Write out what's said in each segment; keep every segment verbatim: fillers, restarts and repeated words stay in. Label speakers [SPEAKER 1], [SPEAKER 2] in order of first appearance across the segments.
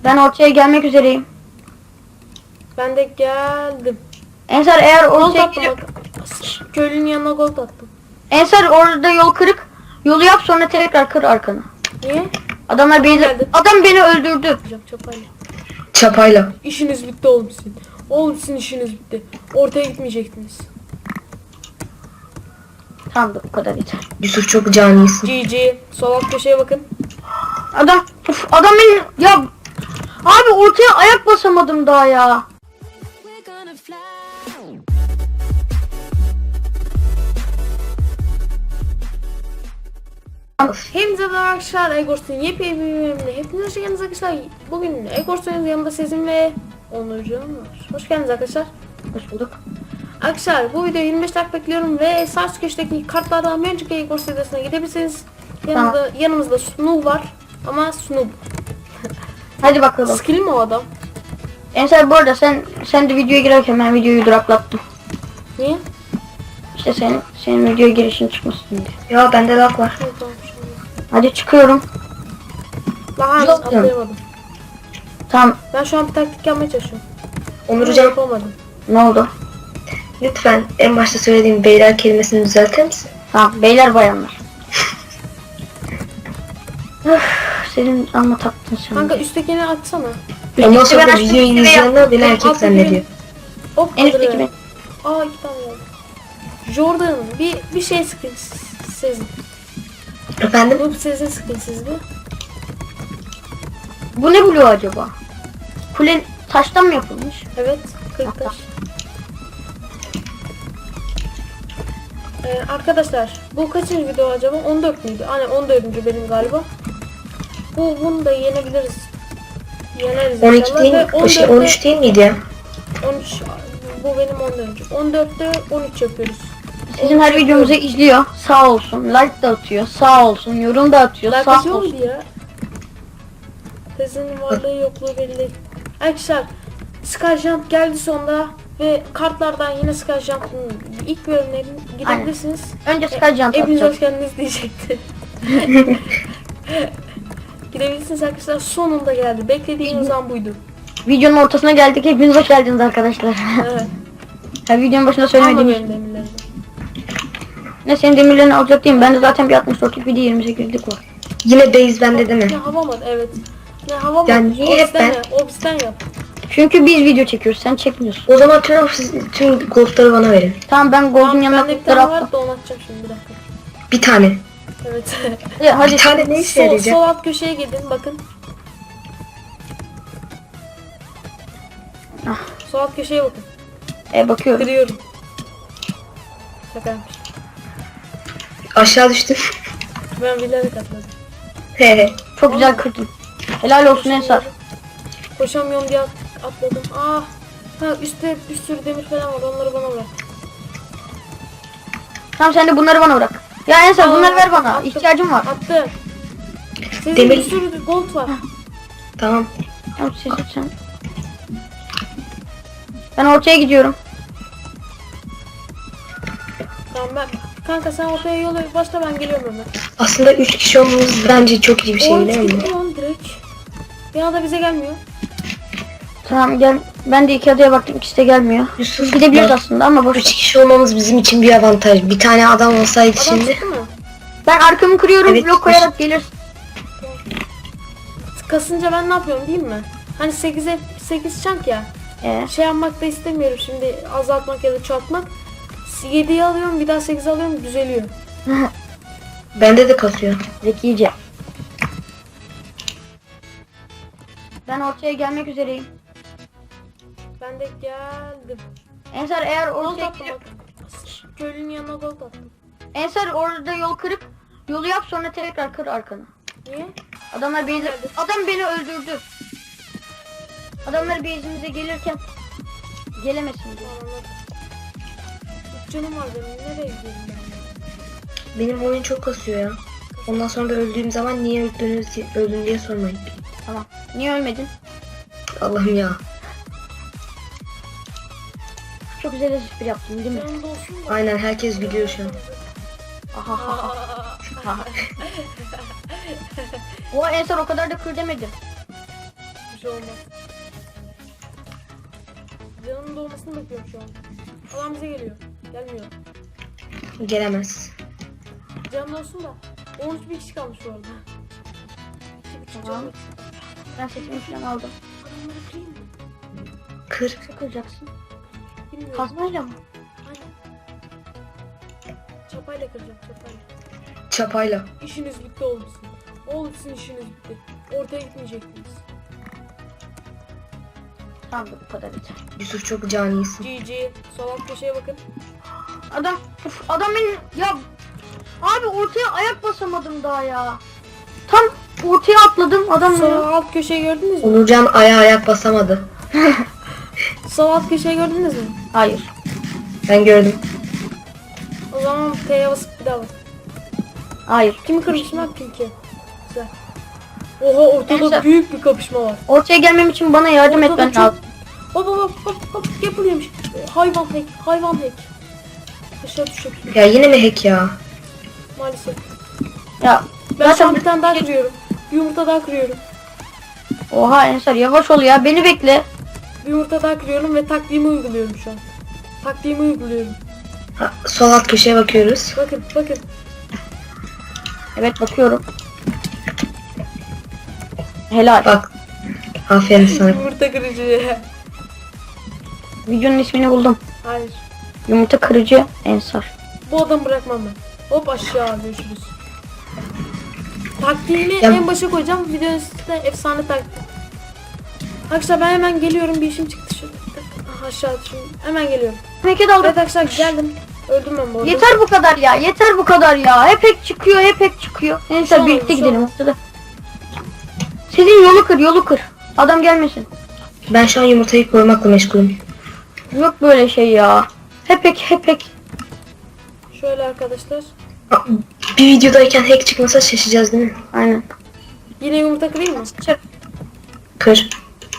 [SPEAKER 1] Ben ortaya gelmek üzereyim.
[SPEAKER 2] Ben de geldim.
[SPEAKER 1] Ensar eğer
[SPEAKER 2] Gold
[SPEAKER 1] ortaya
[SPEAKER 2] attım
[SPEAKER 1] gelip...
[SPEAKER 2] bak. Köylünün yanına gold attım.
[SPEAKER 1] Ensar orada yol kırık. Yolu yap sonra tekrar kır arkanı.
[SPEAKER 2] Niye?
[SPEAKER 1] Adamlar beni...
[SPEAKER 2] geldi.
[SPEAKER 1] Adam beni öldürdü.
[SPEAKER 2] Yapacağım çapayla.
[SPEAKER 3] Çapayla.
[SPEAKER 2] İşiniz bitti oğlum sizin. Oğlum sizin işiniz bitti. Ortaya gitmeyecektiniz.
[SPEAKER 1] Tamam da bu kadar yeter.
[SPEAKER 3] Yusuf çok canisin.
[SPEAKER 2] G G. Sol alt köşeye bakın.
[SPEAKER 1] Adam... Uf, adam beni... Ya... Abi ortaya ayak basamadım daha ya.
[SPEAKER 2] Hepinize merhaba arkadaşlar. Egors'un yepyeni bir bölümüne hepiniz hoş geldiniz arkadaşlar. Bugün Egors'un yanında Sezin ve Onurcuğum var. Hoş geldiniz arkadaşlar.
[SPEAKER 1] Hoş bulduk.
[SPEAKER 2] Arkadaşlar bu videoyu yirmi beş dakika bekliyorum ve sağ üst köşedeki kartlardan bir önceki Egors videosuna gidebilirsiniz. Yanımda,
[SPEAKER 1] Tamam.
[SPEAKER 2] yanımızda Snoop var ama Snoop.
[SPEAKER 1] Hadi bakalım.
[SPEAKER 2] Skill mi o adam?
[SPEAKER 1] Ensar bu arada sen sen de videoya girerken ben videoyu duraklattım.
[SPEAKER 2] Niye?
[SPEAKER 1] İşte senin senin videoya girişin çıkmasın diye.
[SPEAKER 3] Ya bende lag var.
[SPEAKER 2] Evet, tamam, şimdi.
[SPEAKER 1] Hadi çıkıyorum.
[SPEAKER 2] Lan
[SPEAKER 3] Yok,
[SPEAKER 2] atlayamadım.
[SPEAKER 1] Tamam.
[SPEAKER 2] Ben şu an bir taktik yapmaya çalışıyorum.
[SPEAKER 3] Onur
[SPEAKER 2] Ama
[SPEAKER 3] hocam
[SPEAKER 2] yapamadım.
[SPEAKER 1] Ne oldu?
[SPEAKER 3] lütfen en başta söylediğim beyler kelimesini düzeltir misin?
[SPEAKER 1] Tamam. Beyler bayanlar. Öf, senin ama taktın sen.
[SPEAKER 2] Kanka üsttekini açsana.
[SPEAKER 3] Ondan sonra
[SPEAKER 1] ben
[SPEAKER 3] da videoyu
[SPEAKER 1] açtım,
[SPEAKER 3] izleyenler beni
[SPEAKER 2] Ben
[SPEAKER 3] erkek
[SPEAKER 2] altta
[SPEAKER 3] zannediyor.
[SPEAKER 2] gireyim. Hop
[SPEAKER 1] En üstteki
[SPEAKER 2] kadını.
[SPEAKER 1] ben.
[SPEAKER 2] Aa iki tane geldi. Jordan bir bir şey sıkın Sezin.
[SPEAKER 3] Efendim?
[SPEAKER 2] Bu Sezin sıkın sizde.
[SPEAKER 1] Bu ne blue acaba? Kule taştan mı yapılmış?
[SPEAKER 2] Evet. kırk taş. Ee, arkadaşlar bu kaçıncı video acaba? on dört müydü? Hani on dördüncü benim galiba. Bu bunu da yenebiliriz. Yeneriz
[SPEAKER 3] on iki
[SPEAKER 2] inşallah.
[SPEAKER 3] değil
[SPEAKER 2] Ve
[SPEAKER 3] mi? O şey, on üç değil miydi ya?
[SPEAKER 2] on üç bu benim on dördüncü. on dörtte on üç yapıyoruz.
[SPEAKER 1] Sizin her videomuzu izliyor. Sağ olsun. Like da atıyor. Sağ olsun. Yorum da atıyor.
[SPEAKER 2] Like
[SPEAKER 1] Sağ
[SPEAKER 2] atıyor
[SPEAKER 1] olsun.
[SPEAKER 2] muydu ya? Tezinin varlığı yokluğu belli. Arkadaşlar Skyjump geldi sonunda ve kartlardan yine Skyjump'ın ilk bölümlerine gidebilirsiniz.
[SPEAKER 1] Önce Skyjump
[SPEAKER 2] Hepiniz
[SPEAKER 1] atacağım.
[SPEAKER 2] hoş geldiniz diyecekti. Gidebilirsiniz arkadaşlar, sonunda geldi. Beklediğimiz an buydu.
[SPEAKER 1] Videonun ortasına geldik. Hepiniz hoş geldiniz arkadaşlar.
[SPEAKER 2] Evet.
[SPEAKER 1] Ha, videonun başında
[SPEAKER 2] Ama
[SPEAKER 1] söylemedim.
[SPEAKER 2] benim demirlerim.
[SPEAKER 1] Ne senin demirlerini alacak değilim. Bende zaten bir altmış dörtlük bir de yirmi sekizlik var.
[SPEAKER 3] Yine base bende değil mi?
[SPEAKER 2] Ne hava mı? Evet. Ne hava mı?
[SPEAKER 3] Yani niye hep
[SPEAKER 2] Obs'ten
[SPEAKER 3] ben-
[SPEAKER 2] yap. Obs'ten yap.
[SPEAKER 1] Çünkü biz video çekiyoruz. Sen çekmiyorsun.
[SPEAKER 3] O zaman tüm, tüm goldları bana verin.
[SPEAKER 1] Tamam ben Gold'un
[SPEAKER 2] Tamam,
[SPEAKER 1] yanına
[SPEAKER 2] bende bir
[SPEAKER 1] kutları
[SPEAKER 2] tane
[SPEAKER 1] attım.
[SPEAKER 2] var da onu atacağım şimdi bir dakika.
[SPEAKER 3] Bir tane.
[SPEAKER 2] Evet.
[SPEAKER 1] Hadi, hadi.
[SPEAKER 3] Bir tane ne işe
[SPEAKER 2] sol,
[SPEAKER 3] yarayacak?
[SPEAKER 2] sol alt köşeye gidin bakın.
[SPEAKER 1] Ah.
[SPEAKER 2] Sol alt köşeye bakın.
[SPEAKER 1] E, bakıyorum.
[SPEAKER 2] Kırıyorum. Şakaymış.
[SPEAKER 3] Aşağı düştüm.
[SPEAKER 2] Ben bilerek atladım.
[SPEAKER 3] He he.
[SPEAKER 1] Çok güzel kırdın. Helal olsun Ensar.
[SPEAKER 2] Koşamıyorum diye at- atladım. Ah. Ha üstte bir sürü demir falan var. Onları bana ver.
[SPEAKER 1] Tamam sen de bunları bana bırak. Ya Ensar
[SPEAKER 2] Aa,
[SPEAKER 1] bunları ver bana.
[SPEAKER 2] attım.
[SPEAKER 1] İhtiyacım var.
[SPEAKER 2] Attı. Sizin
[SPEAKER 3] Demir-
[SPEAKER 2] bir sürü gold var.
[SPEAKER 3] Tamam.
[SPEAKER 1] Tamam siz sen. Ben ortaya gidiyorum.
[SPEAKER 2] Tamam ben. Kanka sen ortaya yola başla, ben geliyorum hemen.
[SPEAKER 3] Aslında üç kişi olmamız bence çok iyi bir şey
[SPEAKER 2] O üç
[SPEAKER 3] değil mi?
[SPEAKER 2] gitti lan direkt. Bir anda bize gelmiyor.
[SPEAKER 1] Tamam gel. Ben de iki adaya baktım. İkisi de gelmiyor.
[SPEAKER 3] Yusuf,
[SPEAKER 1] Gidebiliriz
[SPEAKER 3] bak,
[SPEAKER 1] aslında ama boş.
[SPEAKER 3] üç kişi olmamız bizim için bir avantaj. Bir tane adam olsaydı
[SPEAKER 2] Adam
[SPEAKER 3] şimdi.
[SPEAKER 2] çıktı mı?
[SPEAKER 1] Ben arkamı kırıyorum.
[SPEAKER 3] Evet,
[SPEAKER 1] Blok koyarak gelir.
[SPEAKER 2] Kasınca ben ne yapıyorum değil mi? Hani sekize sekiz çank ya.
[SPEAKER 1] Ee,
[SPEAKER 2] Şey yapmak da istemiyorum şimdi, azaltmak ya da çoğaltmak. yediyi alıyorum, bir daha sekiz alıyorum, düzeliyor.
[SPEAKER 3] Bende de kasıyor.
[SPEAKER 1] zekice. Ben ortaya gelmek üzereyim.
[SPEAKER 2] Ben de geldim.
[SPEAKER 1] Ensar eğer
[SPEAKER 2] Gold
[SPEAKER 1] ortaya
[SPEAKER 2] attım bak. Köylünün yanına gold attım.
[SPEAKER 1] Ensar orada yol kırıp yolu yap sonra tekrar kır arkanı.
[SPEAKER 2] Niye?
[SPEAKER 1] Adamlar beni adam beni öldürdü. Adamlar base'imize gelirken gelemesin diye.
[SPEAKER 2] Anladım. Üç canım var benim, nereye gidiyorum ben?
[SPEAKER 3] Benim oyun çok kasıyor ya. Ondan sonra da öldüğüm zaman niye öldünüz, öldün diye sormayın.
[SPEAKER 1] Tamam. Niye ölmedin?
[SPEAKER 3] Allah'ım ya.
[SPEAKER 1] Çok güzel espri yaptın değil mi?
[SPEAKER 2] Yanımda olsun da.
[SPEAKER 3] Aynen, herkes gülüyor şu an.
[SPEAKER 1] Aha ha ha. O Ensar o kadar da kır demedim.
[SPEAKER 2] Hiçbir şey olmaz. Canımın dolmasını bekliyorum şu an. Adam bize geliyor. Gelmiyor.
[SPEAKER 3] Gelemez.
[SPEAKER 2] Canım olsun da. on üç bir kişi kalmış bu arada. İki buçuk
[SPEAKER 1] Tamam.
[SPEAKER 2] canım.
[SPEAKER 1] Ben setimi falan aldım.
[SPEAKER 2] Adamları kırayım mı?
[SPEAKER 3] Kır.
[SPEAKER 1] Nasıl kıracaksın?
[SPEAKER 2] Bilmiyorum.
[SPEAKER 1] Kazmayla mı?
[SPEAKER 2] Aynen. Çapayla kıracağım çapayla.
[SPEAKER 3] Çapayla.
[SPEAKER 2] İşiniz bitti olmuşsun. Oğlum sizin işiniz bitti. Ortaya gitmeyecektiniz.
[SPEAKER 1] Tamam da bu kadar yeter.
[SPEAKER 3] Yusuf çok canisin.
[SPEAKER 2] G G. Sol alt köşeye bakın.
[SPEAKER 1] Adam, uf, adam beni, ya abi ortaya ayak basamadım daha ya. Tam ortaya atladım adam
[SPEAKER 2] Sol
[SPEAKER 1] ya.
[SPEAKER 2] alt köşeyi gördünüz mü?
[SPEAKER 3] Onurcan ayağa ayak basamadı.
[SPEAKER 2] Sol alt köşeyi gördünüz mü?
[SPEAKER 1] Hayır.
[SPEAKER 3] Ben gördüm.
[SPEAKER 2] O zaman T'ye basıp bir daha bak.
[SPEAKER 1] Hayır.
[SPEAKER 2] Kimi kırmışım lan Pinky? Güzel. Oha ortada
[SPEAKER 1] Neyse.
[SPEAKER 2] büyük bir kapışma var.
[SPEAKER 1] Ortaya gelmem için bana yardım
[SPEAKER 2] Ortada
[SPEAKER 1] etmen
[SPEAKER 2] çok-
[SPEAKER 1] lazım.
[SPEAKER 2] Hop hop hop hop hop yapılıyormuş. Hayvan hack, hayvan hack. Aşağı düşecek
[SPEAKER 3] Ya yine mi hack ya?
[SPEAKER 2] maalesef.
[SPEAKER 1] Ya
[SPEAKER 2] Ben şu an
[SPEAKER 1] zaten
[SPEAKER 2] bir tane daha kırıyorum. Bir yumurta daha kırıyorum.
[SPEAKER 1] oha Ensar yavaş ol ya, beni bekle.
[SPEAKER 2] Bir yumurta daha kırıyorum ve taktiğimi uyguluyorum şu an. Taktiğimi uyguluyorum.
[SPEAKER 3] Ha, sol alt köşeye bakıyoruz.
[SPEAKER 2] Bakın bakın.
[SPEAKER 1] Evet bakıyorum. Helal.
[SPEAKER 3] Bak. Aferin sana.
[SPEAKER 2] Yumurta kırıcı.
[SPEAKER 1] Videonun ismini buldum.
[SPEAKER 2] Hayır.
[SPEAKER 1] Yumurta kırıcı Ensar.
[SPEAKER 2] Bu adamı bırakmam ben. Hop aşağı görüşürüz. Taktiğimi
[SPEAKER 3] Ya-
[SPEAKER 2] en başa koyacağım. Videonun üstüne efsane taktik. Arkadaşlar ben hemen geliyorum. Bir işim çıktı şu. Ah, aşağı düşün. Hemen geliyorum.
[SPEAKER 1] Peki daldım.
[SPEAKER 2] Evet arkadaşlar geldim. Öldüm ben bu arada.
[SPEAKER 1] Yeter bu kadar ya, yeter bu kadar ya. Hep hep çıkıyor, hep hep çıkıyor.
[SPEAKER 2] Şu
[SPEAKER 1] Neyse
[SPEAKER 2] an-
[SPEAKER 1] birlikte
[SPEAKER 2] şu
[SPEAKER 1] gidelim
[SPEAKER 2] an.
[SPEAKER 1] ortada. Sizin yolu kır, yolu kır. Adam gelmesin.
[SPEAKER 3] Ben şu an yumurtayı koymakla meşgulüm.
[SPEAKER 1] Yok böyle şey ya. Hep hep hep hep.
[SPEAKER 2] Şöyle arkadaşlar.
[SPEAKER 3] Aa, Bir videodayken hack çıkmasa şaşacağız değil mi?
[SPEAKER 1] Aynen.
[SPEAKER 2] Yine yumurta kırayım mı?
[SPEAKER 3] Kır.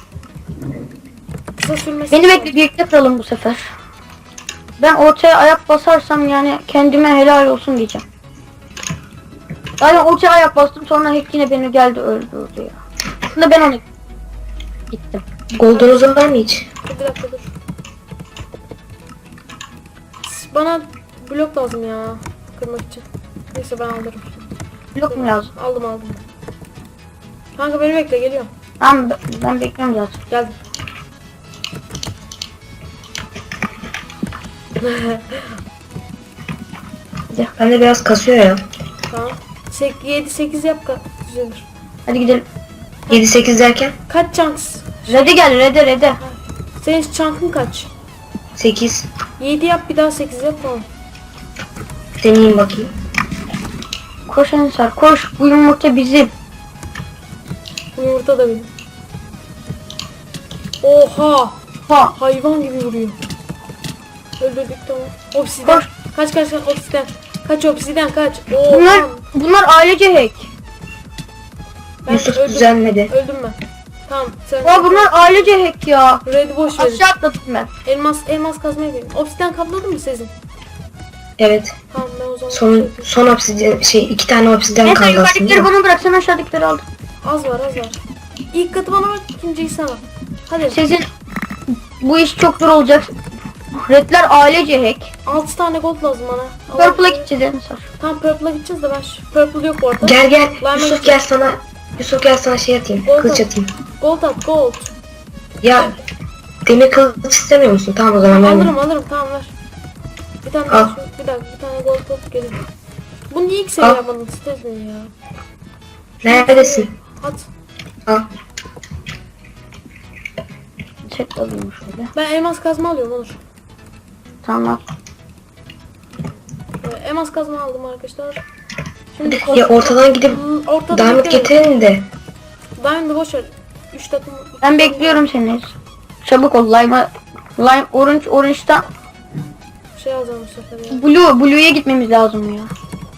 [SPEAKER 2] Kısa sürmesi.
[SPEAKER 1] Beni bekle, birlikte kıralım bu sefer. Ben ortaya ayak basarsam yani kendime helal olsun diyeceğim. Yani ortaya ayak bastım, sonra hack yine beni geldi öldürdü ya. Aslında ben onu gittim.
[SPEAKER 3] Golden'unuz var mı hiç?
[SPEAKER 2] Dur, bir dakika dur. Bana blok lazım ya. Kırmak için. Neyse ben alırım.
[SPEAKER 1] Blok mu lazım?
[SPEAKER 2] Aldım aldım. Kanka beni bekle geliyorum.
[SPEAKER 1] Tamam ben, ben bekliyorum zaten.
[SPEAKER 2] Geldim.
[SPEAKER 3] Bende biraz kasıyor ya.
[SPEAKER 2] Tamam. yedi sekiz yap ka düzelir.
[SPEAKER 1] Hadi gidelim.
[SPEAKER 3] yedi sekiz derken?
[SPEAKER 2] Kaç chunks?
[SPEAKER 1] Red'e gel, Red'e Red'e.
[SPEAKER 2] Senin chunk'ın kaç?
[SPEAKER 3] sekiz.
[SPEAKER 2] yedi yap bir daha sekiz yap tamam.
[SPEAKER 3] Deneyeyim bakayım.
[SPEAKER 1] Koş Ensar koş, bu yumurta bizim.
[SPEAKER 2] Bu yumurta da benim. Oha!
[SPEAKER 1] Ha.
[SPEAKER 2] Hayvan gibi vuruyor. Öldürdük tamam. Obsiden.
[SPEAKER 1] Koş.
[SPEAKER 2] Kaç kaç kaç obsiden. Kaç obsiden kaç. Oha.
[SPEAKER 1] Bunlar bunlar ailece hack.
[SPEAKER 2] Ben
[SPEAKER 3] Yusuf
[SPEAKER 2] öldüm.
[SPEAKER 3] düzelmedi.
[SPEAKER 2] Öldüm ben. Tamam sen.
[SPEAKER 1] Ya bunlar ailece hack ya.
[SPEAKER 2] Red boş verin.
[SPEAKER 1] Aşağı atladım ben.
[SPEAKER 2] Elmas elmas kazmaya gelin. Obsiden kapladın mı Sezin?
[SPEAKER 3] Evet.
[SPEAKER 2] Tamam ben o zaman şey
[SPEAKER 3] Son
[SPEAKER 2] yapayım.
[SPEAKER 3] son obsidyen şey iki tane obsidyen
[SPEAKER 1] Neyse
[SPEAKER 3] kaldı aslında.
[SPEAKER 1] yukarıdakileri bana bırak, sen aşağıdakileri al.
[SPEAKER 2] Az var az var. İlk katı bana bak, ikinciyi sana. Hadi.
[SPEAKER 1] Sizin bu iş çok zor olacak. Redler ailece hack.
[SPEAKER 2] altı tane gold lazım bana.
[SPEAKER 1] Purple'a gideceğiz Ensar.
[SPEAKER 2] Tamam Purple'a gideceğiz de ben şu- Purple yok bu arada.
[SPEAKER 3] Gel gel.
[SPEAKER 2] Lime'a
[SPEAKER 3] Yusuf
[SPEAKER 2] gideceğiz.
[SPEAKER 3] gel sana. Yusuf gel sana şey atayım.
[SPEAKER 2] Gold
[SPEAKER 3] Kılıç
[SPEAKER 2] at.
[SPEAKER 3] atayım.
[SPEAKER 2] Gold at gold.
[SPEAKER 3] Ya demir kılıç istemiyor musun? Tamam o zaman ben.
[SPEAKER 2] Alırım alırım tamam ver. Bir tane
[SPEAKER 3] Al.
[SPEAKER 2] daha şu, bir dakika bir tane gold alıp gelin. Bunu niye ilk seviye
[SPEAKER 3] Al.
[SPEAKER 2] yapmadın istedin ya.
[SPEAKER 3] Neredesin?
[SPEAKER 2] At.
[SPEAKER 3] Al.
[SPEAKER 1] Set alayım şöyle.
[SPEAKER 2] Ben elmas kazma alıyorum olur.
[SPEAKER 1] Tamam.
[SPEAKER 2] Ee, elmas kazma aldım arkadaşlar. Şimdi
[SPEAKER 3] Ya ortadan gidip
[SPEAKER 2] Hmm, ortada
[SPEAKER 3] diamond
[SPEAKER 2] beklemeyin.
[SPEAKER 3] getirelim de.
[SPEAKER 2] Diamond'ı boş ver. üç takım. üç
[SPEAKER 1] Ben
[SPEAKER 2] takım
[SPEAKER 1] bekliyorum seni. Çabuk ol, lime, lime orange orange'dan
[SPEAKER 2] Şey alacağım bu sefer ya.
[SPEAKER 1] blue blue'ya gitmemiz lazım ya.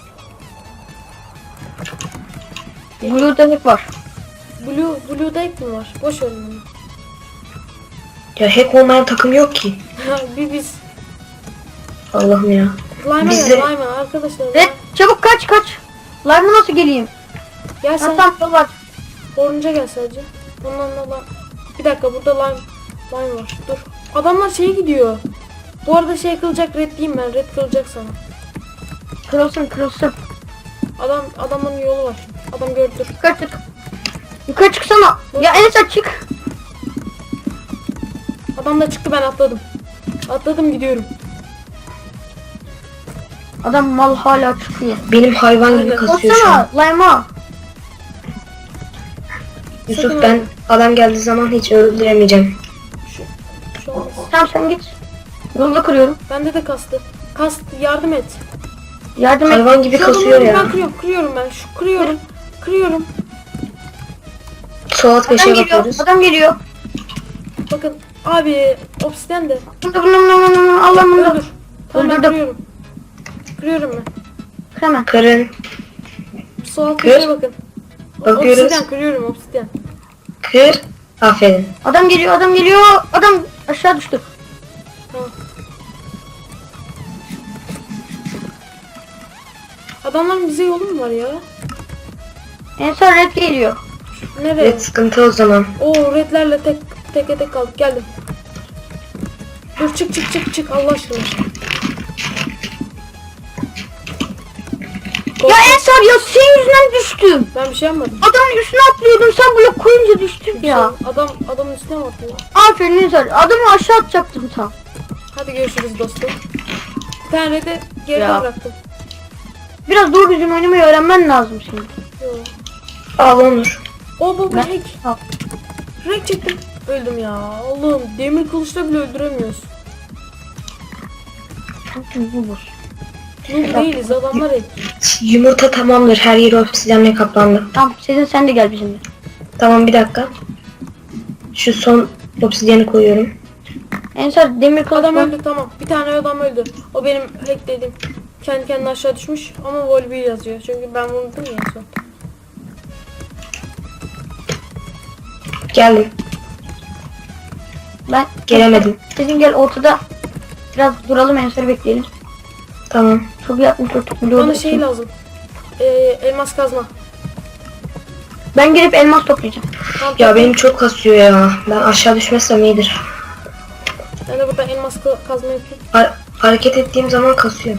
[SPEAKER 1] Blue'da hep var.
[SPEAKER 2] Blue, Blue'da ek mi var? Boş verin onu.
[SPEAKER 3] Ya hack olmayan takım yok ki.
[SPEAKER 2] bir biz.
[SPEAKER 3] Allah'ım ya.
[SPEAKER 2] Lime'a
[SPEAKER 3] Bizde-
[SPEAKER 2] gel Lime'a arkadaşlar.
[SPEAKER 1] Red çabuk kaç kaç. Lime'a nasıl geleyim?
[SPEAKER 2] Gel
[SPEAKER 1] Ha,
[SPEAKER 2] sen
[SPEAKER 1] tamam var.
[SPEAKER 2] Orange'a gel sadece. Ondan da lan. Bir dakika burada lime, lime var. Dur. Adamlar şeye gidiyor. Bu arada şey kılacak, red diyeyim ben. Red kılacak sana.
[SPEAKER 1] Kırılsın kırılsın.
[SPEAKER 2] Adam adamın yolu var. Adam gördü. Dur.
[SPEAKER 1] Yukarı çık. Yukarı çıksana. Ya Enes çık.
[SPEAKER 2] Adam da çıktı, ben atladım. Atladım gidiyorum.
[SPEAKER 1] Adam mal hala çıkıyor.
[SPEAKER 3] Benim hayvan gibi
[SPEAKER 2] Aynen.
[SPEAKER 3] kasıyor şu an.
[SPEAKER 1] Baksana Lime'a.
[SPEAKER 3] Yusuf
[SPEAKER 2] Sakın
[SPEAKER 3] ben
[SPEAKER 2] öyle.
[SPEAKER 3] adam geldiği zaman hiç öldüremeyeceğim.
[SPEAKER 2] Şu, şu olmaz.
[SPEAKER 1] Tamam sen git. Yolda kırıyorum.
[SPEAKER 2] Bende de kastı. Kast, yardım et.
[SPEAKER 1] Yardım et.
[SPEAKER 3] Hayvan gibi
[SPEAKER 2] Şu
[SPEAKER 3] kasıyor
[SPEAKER 2] adamı
[SPEAKER 3] ya.
[SPEAKER 2] Ben kırıyorum, kırıyorum ben. Şu kırıyorum. Kırıyorum.
[SPEAKER 3] Sol alt
[SPEAKER 1] Adam
[SPEAKER 3] köşeye
[SPEAKER 1] geliyor.
[SPEAKER 3] bakıyoruz.
[SPEAKER 1] Adam geliyor.
[SPEAKER 2] Bakın abi obsidian de.
[SPEAKER 1] Bunda bunda bunda bunda bunda. Allah'ım bunda.
[SPEAKER 2] Öldür. Tamam ben
[SPEAKER 1] Öldürdüm.
[SPEAKER 2] kırıyorum. Kırıyorum ben.
[SPEAKER 1] Kır hemen.
[SPEAKER 3] Kırın.
[SPEAKER 2] Sol alt
[SPEAKER 3] Kır.
[SPEAKER 2] köşeye bakın.
[SPEAKER 3] Bakıyoruz.
[SPEAKER 2] Obsidian kırıyorum, obsidian.
[SPEAKER 3] Kır. Aferin.
[SPEAKER 1] Adam geliyor adam geliyor. Adam aşağı düştü.
[SPEAKER 2] Tamam. Adamların bize yolu mu var ya?
[SPEAKER 1] En son red geliyor.
[SPEAKER 2] Nereye?
[SPEAKER 3] Evet sıkıntı o zaman.
[SPEAKER 2] Oo redlerle tek tek tek kaldık. Geldim. Dur çık çık çık çık Allah aşkına.
[SPEAKER 1] Ya Ensar ya senin yüzünden düştüm.
[SPEAKER 2] Ben bir şey yapmadım.
[SPEAKER 1] Adamın üstüne atlıyordum sen blok koyunca düştüm ya.
[SPEAKER 2] Adam adamın üstüne mi atıyor?
[SPEAKER 1] Aferin Ensar. Adamı aşağı atacaktım tam.
[SPEAKER 2] Hadi görüşürüz dostum. Bir tane redi geride
[SPEAKER 1] Ya.
[SPEAKER 2] bıraktım.
[SPEAKER 1] Biraz doğru düzgün oynamayı öğrenmen lazım senin.
[SPEAKER 2] Yo.
[SPEAKER 3] Al Onur.
[SPEAKER 2] O baba
[SPEAKER 1] Ben-
[SPEAKER 2] hack.
[SPEAKER 1] Al.
[SPEAKER 2] Hack çektim. Öldüm ya. Allah'ım demir kılıçla bile öldüremiyoruz.
[SPEAKER 1] Bu boş.
[SPEAKER 2] Noob değiliz adamlar hack.
[SPEAKER 3] Yumurta tamamdır. Her yeri obsidyenle kaplandı.
[SPEAKER 1] Tamam Sezin sen de gel bizimle.
[SPEAKER 3] Tamam bir dakika. Şu son obsidyeni koyuyorum.
[SPEAKER 1] Ensar demir kılıç
[SPEAKER 2] Adam
[SPEAKER 1] var.
[SPEAKER 2] öldü tamam. Bir tane adam öldü. O benim hack dediğim. Kendi kendine aşağı düşmüş ama vol bir yazıyor. Çünkü ben vurdum ya en son.
[SPEAKER 3] Geldim.
[SPEAKER 1] Ben
[SPEAKER 3] Gelemedim.
[SPEAKER 1] Sezin gel ortada. Biraz duralım Ensar'ı bekleyelim.
[SPEAKER 3] Tamam.
[SPEAKER 1] Çok iyi altmış dört milyon.
[SPEAKER 2] Bana şey lazım. Ee, elmas kazma.
[SPEAKER 1] Ben gelip elmas toplayacağım.
[SPEAKER 2] Tamam,
[SPEAKER 3] Ya
[SPEAKER 2] tamam.
[SPEAKER 3] benim çok kasıyor ya. Ben aşağı düşmezsem iyidir.
[SPEAKER 2] Ben de burada elmas ka- kazma yapayım.
[SPEAKER 3] Ha- hareket ettiğim zaman kasıyor.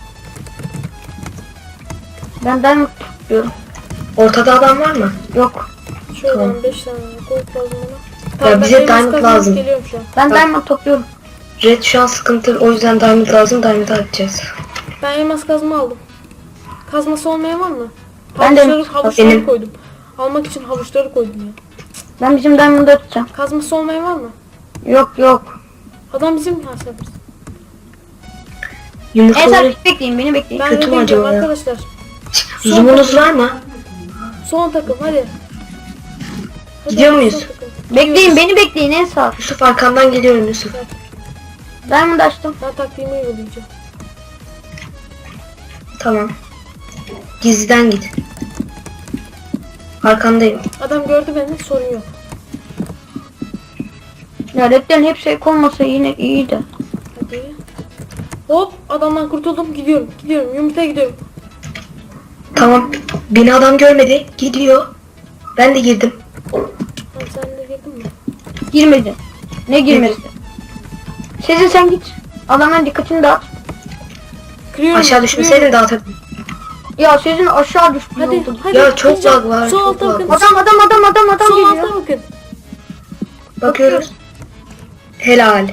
[SPEAKER 1] Ben diamond topluyorum.
[SPEAKER 3] Ortada adam var mı?
[SPEAKER 1] Yok.
[SPEAKER 2] Şuradan
[SPEAKER 3] Tamam.
[SPEAKER 2] beş tane gold lazım bana.
[SPEAKER 3] Ya
[SPEAKER 2] ben
[SPEAKER 3] bize
[SPEAKER 2] elmas
[SPEAKER 3] diamond
[SPEAKER 2] kazmaya
[SPEAKER 3] lazım.
[SPEAKER 2] Geliyorum şu an.
[SPEAKER 1] Ben
[SPEAKER 3] Bak.
[SPEAKER 1] diamond topluyorum.
[SPEAKER 3] Red şu an sıkıntı. O yüzden diamond lazım. Diamond'ı atacağız.
[SPEAKER 2] Ben elmas kazma aldım. Kazması olmayan var mı?
[SPEAKER 1] Ben de
[SPEAKER 2] Havuçları,
[SPEAKER 1] elmas-
[SPEAKER 2] havuçları
[SPEAKER 3] benim-
[SPEAKER 2] koydum. Almak için havuçları koydum ya.
[SPEAKER 1] Ben bizim diamond'ı atacağım.
[SPEAKER 2] Kazması olmayan var mı?
[SPEAKER 1] Yok yok.
[SPEAKER 2] Adam bizim ha sen bilirsin.
[SPEAKER 3] Yumurtaları
[SPEAKER 1] Ensar bekleyin beni bekleyin.
[SPEAKER 2] Ben
[SPEAKER 3] Kötü mü
[SPEAKER 2] rede gidiyorum
[SPEAKER 3] acaba ya?
[SPEAKER 2] arkadaşlar. Son
[SPEAKER 3] zoom'unuz
[SPEAKER 2] takım.
[SPEAKER 3] var mı?
[SPEAKER 2] Son takım hadi. Hadi
[SPEAKER 3] Gidiyor
[SPEAKER 2] hadi,
[SPEAKER 3] muyuz?
[SPEAKER 2] son takım.
[SPEAKER 1] Bekleyin
[SPEAKER 2] Gidiyoruz.
[SPEAKER 1] beni bekleyin Ensar.
[SPEAKER 3] Yusuf arkamdan geliyorum Yusuf.
[SPEAKER 1] Diamond açtım.
[SPEAKER 2] Ben taktiğimi uygulayacağım.
[SPEAKER 3] Tamam. Gizliden git. Arkandayım.
[SPEAKER 2] Adam gördü beni, sorun yok.
[SPEAKER 1] Ya redlerin hepsi ek olmasa yine iyiydi.
[SPEAKER 2] Hadi. Hop adamdan kurtuldum, gidiyorum gidiyorum yumurtaya gidiyorum.
[SPEAKER 3] Tamam. Beni adam görmedi. Gidiyor. Ben de girdim.
[SPEAKER 2] Tamam sen de girdin mi?
[SPEAKER 1] Girmedi. Ne girmedi? Sezin sen git. Adamların dikkatini dağıt.
[SPEAKER 2] Kırıyorum.
[SPEAKER 3] Aşağı
[SPEAKER 2] kırıyorum.
[SPEAKER 3] düşmeseydin dağıtırdım.
[SPEAKER 1] Ya Sezin aşağı düştü.
[SPEAKER 2] Hadi
[SPEAKER 1] oldu.
[SPEAKER 2] hadi.
[SPEAKER 3] Ya çok
[SPEAKER 2] kıracağım.
[SPEAKER 3] lag var,
[SPEAKER 2] Sol
[SPEAKER 3] çok
[SPEAKER 2] alta
[SPEAKER 3] lag
[SPEAKER 2] bakın.
[SPEAKER 3] var.
[SPEAKER 1] Adam adam adam adam adam
[SPEAKER 2] Sol
[SPEAKER 1] geliyor.
[SPEAKER 2] alta bakın.
[SPEAKER 3] Bakıyoruz. Helal.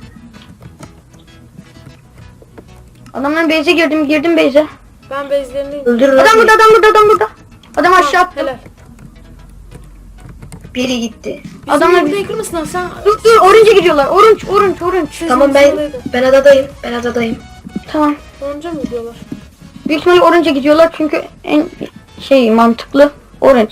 [SPEAKER 1] Adamların base'e girdim girdim base'e.
[SPEAKER 2] Ben bezlerindeyim.
[SPEAKER 3] Öldürün.
[SPEAKER 1] Adam burada adam burada adam burada. Adam aşağı attı.
[SPEAKER 2] Helal.
[SPEAKER 3] Biri gitti.
[SPEAKER 2] Bizim
[SPEAKER 1] Adamlar-
[SPEAKER 2] yumurtayı kırmasınlar sen.
[SPEAKER 1] Dur dur orange'e gidiyorlar. Orange orange orange.
[SPEAKER 2] Siz
[SPEAKER 3] Tamam ben
[SPEAKER 2] yumurtaydın.
[SPEAKER 3] ben adadayım. Ben adadayım.
[SPEAKER 1] Tamam.
[SPEAKER 2] Onca mı gidiyorlar?
[SPEAKER 1] Büyük ihtimalle orange'e gidiyorlar çünkü en şey mantıklı orange.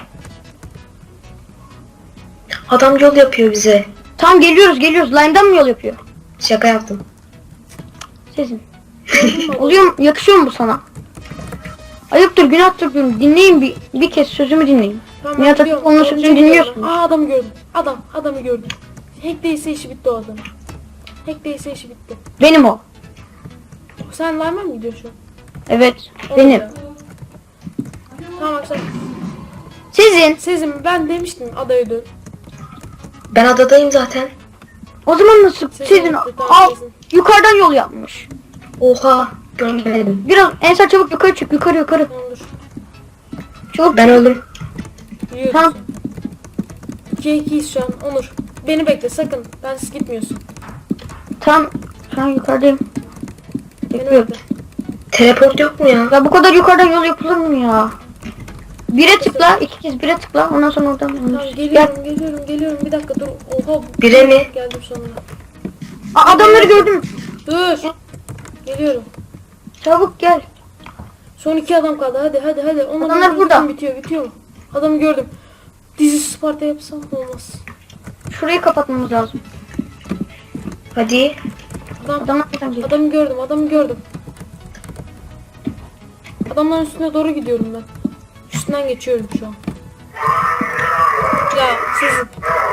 [SPEAKER 3] Adam yol yapıyor bize.
[SPEAKER 1] Tamam geliyoruz geliyoruz. Line'dan mı yol yapıyor?
[SPEAKER 3] Şaka yaptım.
[SPEAKER 1] Sezin. Oluyor mu? Yakışıyor mu bu sana? Ayıptır günahtır diyorum. Dinleyin bir, bir kez sözümü dinleyin.
[SPEAKER 2] Tamam,
[SPEAKER 1] Nihat
[SPEAKER 2] ben gidiyorum.
[SPEAKER 1] Hatipoğlu'nun
[SPEAKER 2] Onca
[SPEAKER 1] sözünü
[SPEAKER 2] gidiyorlar.
[SPEAKER 1] dinliyorsunuz.
[SPEAKER 2] Aa adamı gördüm. Adam adamı gördüm. Hack değilse işi bitti o adamın. Hack değilse işi bitti.
[SPEAKER 1] Benim o.
[SPEAKER 2] Sen line'a mı gidiyorsun şu an?
[SPEAKER 1] Evet
[SPEAKER 2] O
[SPEAKER 1] benim.
[SPEAKER 2] da. Tamam arkadaşlar.
[SPEAKER 1] Sizin.
[SPEAKER 2] Sezim ben demiştim adaya dön.
[SPEAKER 3] Ben adadayım zaten.
[SPEAKER 1] O zaman nasıl?
[SPEAKER 2] Sizin,
[SPEAKER 1] Sizin.
[SPEAKER 2] bir tane
[SPEAKER 1] Al.
[SPEAKER 2] sizin.
[SPEAKER 1] Yukarıdan yol yapmış.
[SPEAKER 3] Oha. Görmedim.
[SPEAKER 1] Biraz Ensar çabuk yukarı çık. Yukarı yukarı.
[SPEAKER 2] Tamam dur.
[SPEAKER 1] Çabuk.
[SPEAKER 3] Ben öldüm.
[SPEAKER 2] Yürüyoruz.
[SPEAKER 1] Tamam.
[SPEAKER 2] ikiye ikiyiz şu an. Onur. Beni bekle sakın. Bensiz gitmiyorsun.
[SPEAKER 1] Tam. Şu an yukarıdayım.
[SPEAKER 2] Beni
[SPEAKER 1] Bekliyorum.
[SPEAKER 2] bekle.
[SPEAKER 3] Teleport yok mu ya?
[SPEAKER 1] Ya bu kadar yukarıdan yol yapılır mı ya? Bire tıkla. iki kez bire tıkla. Ondan sonra oradan.
[SPEAKER 2] Tamam
[SPEAKER 1] Gel.
[SPEAKER 2] geliyorum geliyorum geliyorum. Bir dakika dur. Oha.
[SPEAKER 3] Bire mi?
[SPEAKER 2] Geldim sonunda.
[SPEAKER 1] Aa, adamları gördüm.
[SPEAKER 2] Dur. Geliyorum.
[SPEAKER 1] Çabuk gel.
[SPEAKER 2] Son iki adam kaldı. Hadi hadi hadi. Onur,
[SPEAKER 1] Adamlar
[SPEAKER 2] Onur,
[SPEAKER 1] burada.
[SPEAKER 2] Bitiyor bitiyor mu? Adamı gördüm. Dizi Sparta yapsam olmaz.
[SPEAKER 1] Şurayı kapatmamız lazım.
[SPEAKER 3] Hadi.
[SPEAKER 2] Adam,
[SPEAKER 1] Adamlar nereden geliyor?
[SPEAKER 2] adamı gördüm adamı gördüm. Adamların üstüne doğru gidiyorum ben. Üstünden geçiyorum şu an. Ya siz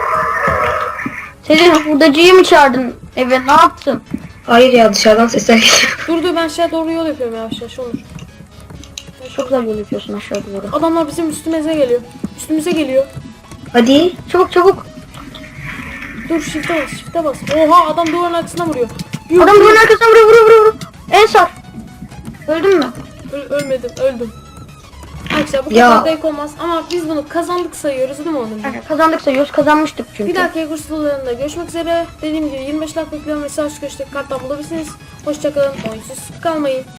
[SPEAKER 1] Senin hurdacıyı mı çağırdın eve? Ne yaptın?
[SPEAKER 3] Hayır ya, dışarıdan sesler geliyor.
[SPEAKER 2] dur dur ben aşağı doğru yol yapıyorum yavaş yavaş Onur.
[SPEAKER 1] Çok güzel yol yapıyorsun aşağı doğru.
[SPEAKER 2] Adamlar bizim üstümüze geliyor. Üstümüze geliyor.
[SPEAKER 3] Hadi.
[SPEAKER 1] Çabuk çabuk.
[SPEAKER 2] Dur shift'e bas shift'e bas. Oha adam duvarın arkasına vuruyor. Yuh,
[SPEAKER 1] Adam bunun arkasına vuruyor vuruyor vuruyor. vuruyor. Ensar. Öldün mü?
[SPEAKER 2] Öl- ölmedim öldüm. Arkadaşlar bu
[SPEAKER 3] Ya.
[SPEAKER 2] kadar denk olmaz ama biz bunu kazandık sayıyoruz değil mi Onur?
[SPEAKER 1] Yani kazandık sayıyoruz. Kazanmıştık çünkü.
[SPEAKER 2] Bir dahaki kurs videolarında görüşmek üzere. Dediğim gibi yirmi beş like bekliyorum ve sağ üst köşedeki karttan bulabilirsiniz. Hoşçakalın. Oyunsuz kalmayın.